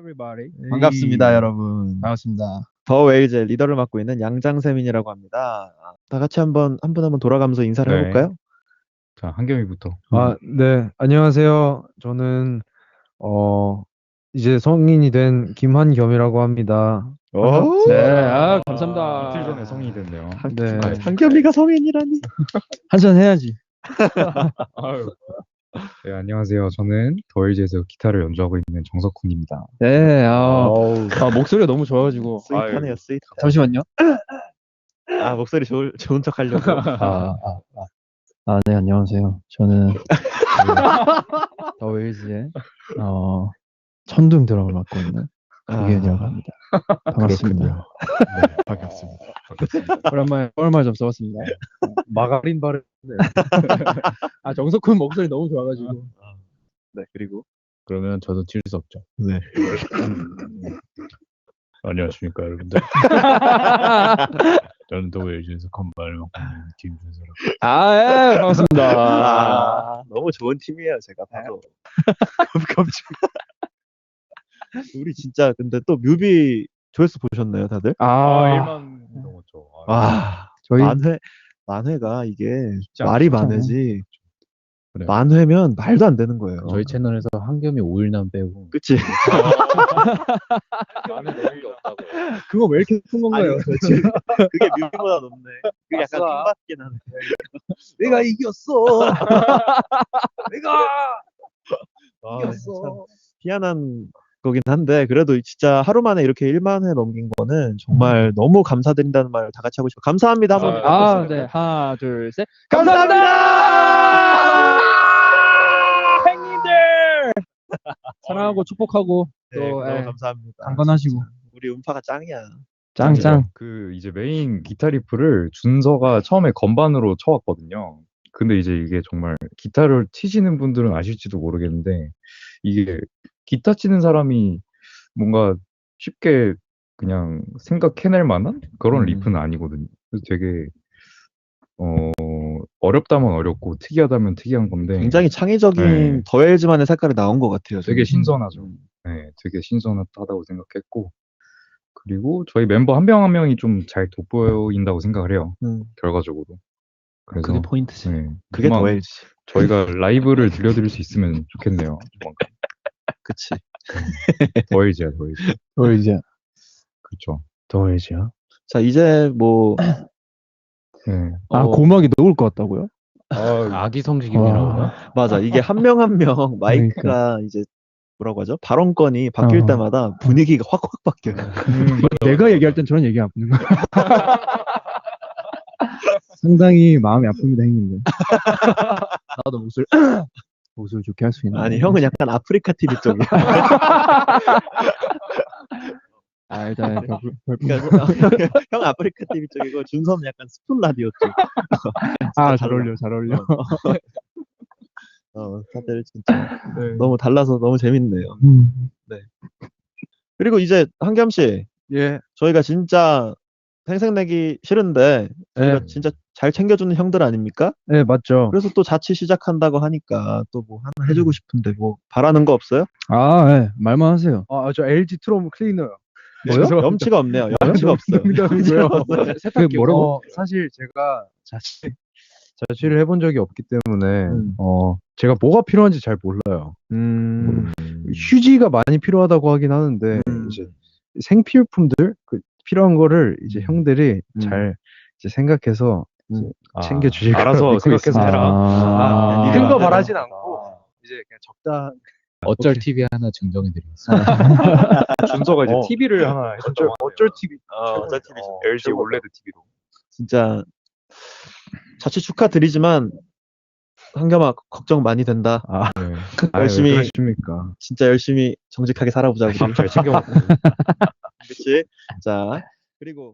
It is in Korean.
everybody. 반갑습니다, 여러분. 반갑습니다. 더 웨일즈의 리더를 맡고 있는 양장세민이라고 합니다. 다 같이 한 분 한 분 돌아가면서 인사를 네. 해볼까요? 자, 한겸이부터. 네. 안녕하세요. 저는 이제 성인이 된 김한겸이라고 합니다. 네, 감사합니다. 이틀 전에 성인이 됐네요. 네. 한겸이가 성인이라니. 한잔 해야지. 아유. 네, 안녕하세요. 저는 더일즈에서 기타를 연주하고 있는 정석훈입니다. 네. 어우, 목소리가 너무 좋아가지고. 스윗하네요, 스윗. 잠시만요. 목소리 좋은 척 하려고. 네, 안녕하세요. 저는 더 웨일즈의 천둥 드럼을 맡고 있는 이현이라고 합니다. 반갑습니다. 네, 반갑습니다. 오랜만에 뻘말 좀 써봤습니다. 마가린 바르. 정석훈 목소리 너무 좋아가지고. 네, 그리고 그러면 저도 질 수 없죠. 네. 안녕하십니까, 여러분들. 저는 더일즈에서 건반을 맡고 있는 김준서라고. 예, 반갑습니다. 너무 좋은 팀이에요, 제가 봐도. 깜짝. 우리 진짜 근데 또 뮤비 조회수 보셨나요, 다들? 1만 넘었죠. 저희 만회가 이게 쉽지 말이 않죠. 많으지. 그래요. 만회면 말도 안 되는 거예요. 저희 채널에서 한겸이 5일남 빼고 그치? 많은 내용이 없다고. 그거 왜 이렇게 큰 건가요? 아니, 그치. 그게 뮤비보다 높네. 그게 약간 아싸. 킹받긴 하네. 내가 이겼어. 내가 참 희한한 거긴 한데 그래도 진짜 하루 만에 이렇게 1만 회 넘긴 거는 정말 너무 감사드린다는 말 다 같이 하고 싶어요. 감사합니다. 한번 네. 하나, 둘, 셋. 감사합니다. 행님들 사랑하고 축복하고 네, 또 너무 감사합니다. 강건하시고. 우리 음파가 짱이야. 짱짱. 그 이제 메인 기타 리프를 준서가 처음에 건반으로 쳐왔거든요. 근데 이제 이게 정말 기타를 치시는 분들은 아실지도 모르겠는데 이게 기타 치는 사람이 뭔가 쉽게 그냥 생각해낼 만한 그런 리프는 아니거든요. 그래서 되게 어렵다면 어렵고 특이하다면 특이한 건데 굉장히 창의적인 네. 더웰즈만의 색깔이 나온 것 같아요. 되게 저는. 신선하죠. 네, 되게 신선하다고 생각했고 그리고 저희 멤버 한 명 한 명이 좀 잘 돋보인다고 생각을 해요. 결과적으로. 그래서 그게 포인트지. 네, 그게 그만 더웰즈. 저희가 라이브를 들려드릴 수 있으면 좋겠네요. 조만간. 그치. 더일즈야, 더일즈. 이제 그렇죠. 더해지야. 자, 이제 뭐 네. 고막이 녹을 것 같다고요? 아기 성식임이라고요? 맞아. 이게 한 명 한 명 마이크가 이제 뭐라고 하죠? 발언권이 바뀔 때마다 분위기가 확확 바뀌어요. 내가 얘기할 땐 저런 얘기 안 하는 거야. 상당히 마음이 아픕니다, 형님들. 나도 목소리 좋게 할 수 있는. 아니, 형은 약간 아프리카 TV 쪽이야. 일단 그러니까 형 아프리카 TV 쪽이고 준서는 약간 스푼 라디오 쪽. 잘 어울려. 다들 진짜 너무 달라서 너무 재밌네요. 네. 그리고 이제 한겸 씨, 예. 저희가 진짜 생색내기 싫은데 저희가 진짜 잘 챙겨주는 형들 아닙니까? 네, 맞죠. 그래서 또 자취 시작한다고 하니까 또 뭐 하나 해주고 싶은데 뭐 바라는 거 없어요? 네. 말만 하세요. 저 LG 트롬 클리너요. 뭐요? 염치가 없네요. 염치가 없어요. 세탁기 뭐라고? 사실 제가 자취를 해본 적이 없기 때문에 제가 뭐가 필요한지 잘 몰라요. 휴지가 많이 필요하다고 하긴 하는데 이제 생필품들 필요한 거를 이제 형들이 잘 이제 생각해서 챙겨주실 거라고 알아서 믿고 생각해서 있습니다. 해라. 큰 거 바라진 않고 이제 그냥 적당. 어쩔 TV 하나 증정해드리겠습니다. 준서가 이제 TV를 하나 해줬다고 어쩔 TV. 어쩔 TV. LG 올레드 TV로. 진짜 자취 축하드리지만 한겸아 걱정 많이 된다. 네. 열심히 그러십니까? 진짜 열심히 정직하게 살아보자고. 잘 챙겨 먹고. 그렇지. 자, 그리고